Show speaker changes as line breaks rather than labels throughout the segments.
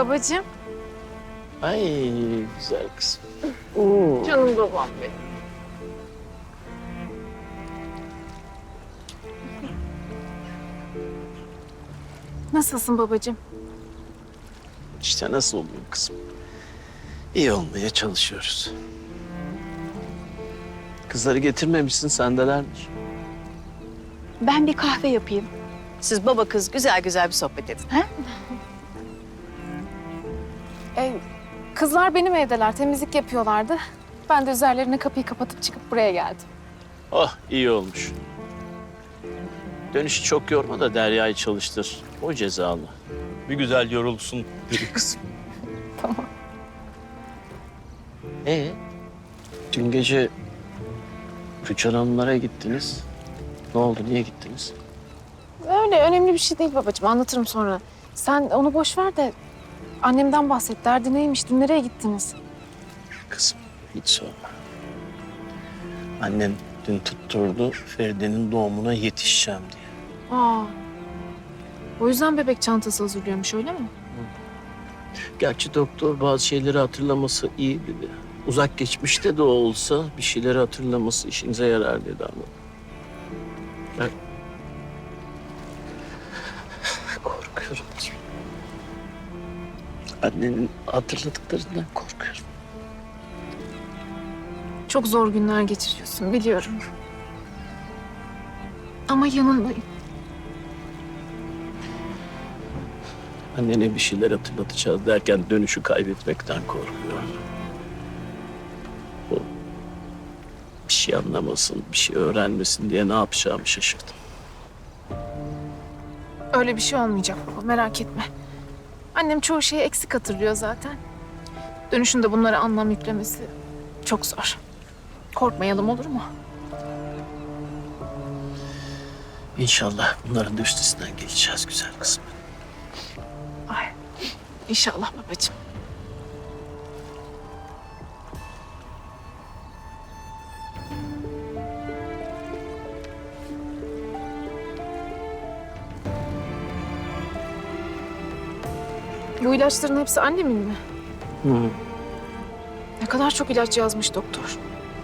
Babacığım.
Ay güzel kızım.
Canım babam benim. Nasılsın babacığım?
İşte nasıl oluyor kızım? İyi olmaya çalışıyoruz. Kızları getirmemişsin, sendelermiş.
Ben bir kahve yapayım. Siz baba kız güzel güzel bir sohbet edin. Ha?
Kızlar benim evdeler. Temizlik yapıyorlardı. Ben de üzerlerine kapıyı kapatıp çıkıp buraya geldim.
Oh iyi olmuş. Dönüşü çok yorma da Derya'yı çalıştır. O cezalı. Bir güzel yorulsun bir kızım.
Tamam.
Dün gece Rüçhan Hanımlara gittiniz. Ne oldu, niye gittiniz?
Öyle önemli bir şey değil babacığım. Anlatırım sonra. Sen onu boş ver de annemden bahset. Derdi neymiş? Dün nereye gittiniz?
Kızım hiç sorma. Annem dün tutturdu Feride'nin doğumuna yetişeceğim diye.
O yüzden bebek çantası hazırlıyormuş öyle mi?
Gerçi doktor bazı şeyleri hatırlaması iyi dedi. Uzak geçmişte de olsa bir şeyleri hatırlaması işinize yarar dedi ama. Ben korkuyorum. Annenin hatırladıklarından korkuyorum.
Çok zor günler geçiriyorsun biliyorum. Ama yanındayım.
Annene bir şeyler hatırlatacağız derken dönüşü kaybetmekten korkuyorum. O bir şey anlamasın, bir şey öğrenmesin diye ne yapacağımı şaşırdım.
Öyle bir şey olmayacak baba merak etme. Annem çoğu şeyi eksik hatırlıyor zaten. Dönüşünde bunlara anlam yüklemesi çok zor. Korkmayalım olur mu?
İnşallah bunların da üstesinden geleceğiz güzel kızım.
Ay, İnşallah babacığım. Bu ilaçların hepsi annemin mi?
Hı.
Ne kadar çok ilaç yazmış doktor.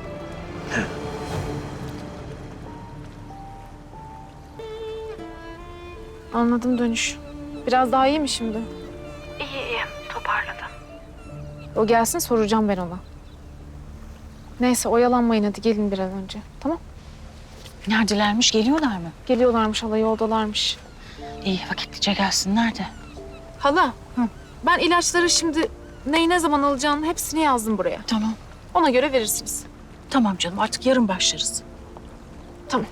Anladım dönüş. Biraz daha iyi mi şimdi? İyi, toparladım. O gelsin soracağım ben ona. Neyse oyalanmayın hadi gelin bir an önce. Tamam?
Neredelermiş? Geliyorlar mı?
Geliyorlarmış hala yoldalarmış.
İyi vakitlice gelsinler de.
Hala ben ilaçları şimdi neyi ne zaman alacağını hepsini yazdım buraya.
Tamam.
Ona göre verirsiniz.
Tamam canım artık yarın başlarız.
Tamam.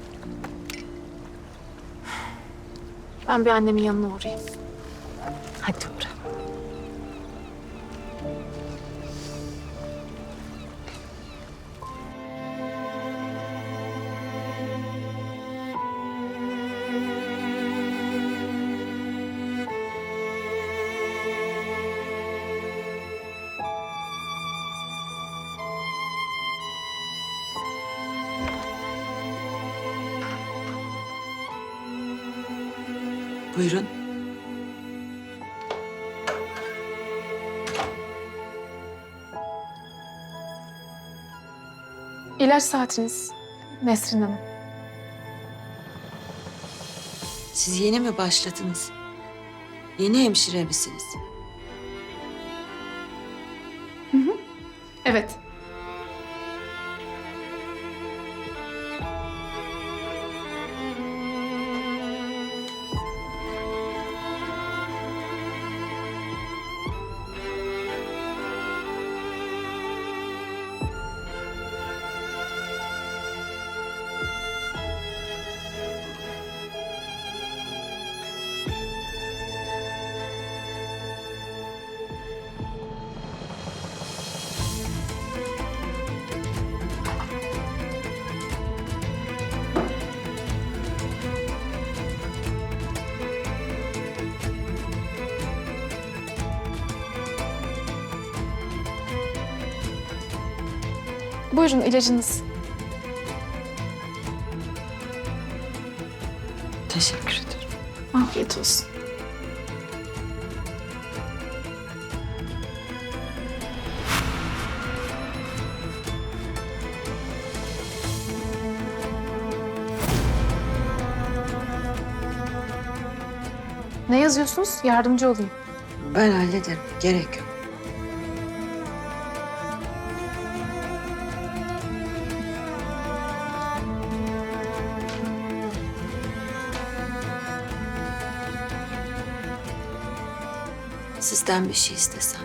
Ben bir annemin yanına uğrayayım.
Hadi uğra.
Buyurun.
İlaç saatiniz Nesrin Hanım.
Siz yeni mi başladınız? Yeni hemşire misiniz?
Evet. Buyurun ilacınız.
Teşekkür ederim.
Afiyet olsun. Ne yazıyorsunuz? Yardımcı olayım.
Ben hallederim. Gerek yok. Sizden bir şey istesem.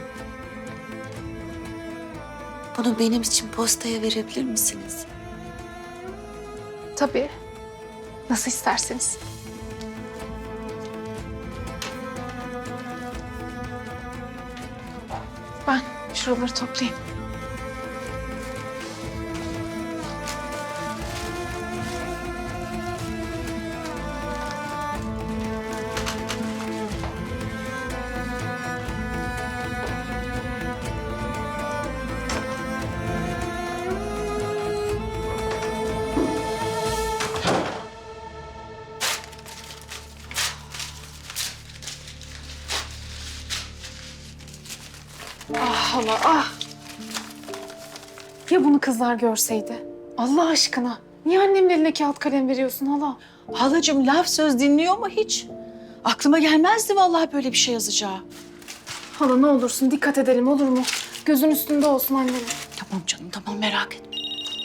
Bunu benim için postaya verebilir misiniz?
Tabii. Nasıl isterseniz. Ben şuraları toplayayım. Ah hala ah. Ya bunu kızlar görseydi? Allah aşkına. Niye annemin eline kağıt kalem veriyorsun hala?
Halacığım laf söz dinliyor mu hiç? Aklıma gelmezdi vallahi böyle bir şey yazacağı.
Hala ne olursun dikkat edelim olur mu? Gözün üstünde olsun annemin.
Tamam canım tamam merak etme.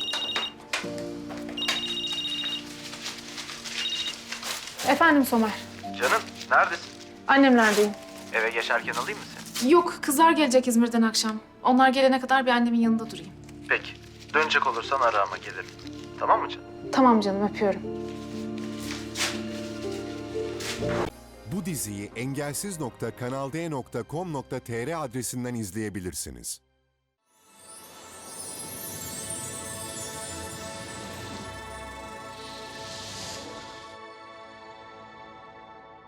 Efendim Somer.
Canım neredesin?
Annemlerdeyim.
Eve geçerken alayım mı seni?
Yok kızlar gelecek İzmir'den akşam. Onlar gelene kadar bir annemin yanında durayım.
Peki. Dönecek olursan ara ama gelirim. Tamam mı canım?
Tamam canım öpüyorum.
Bu diziyi engelsiz.kanalde.com.tr adresinden izleyebilirsiniz.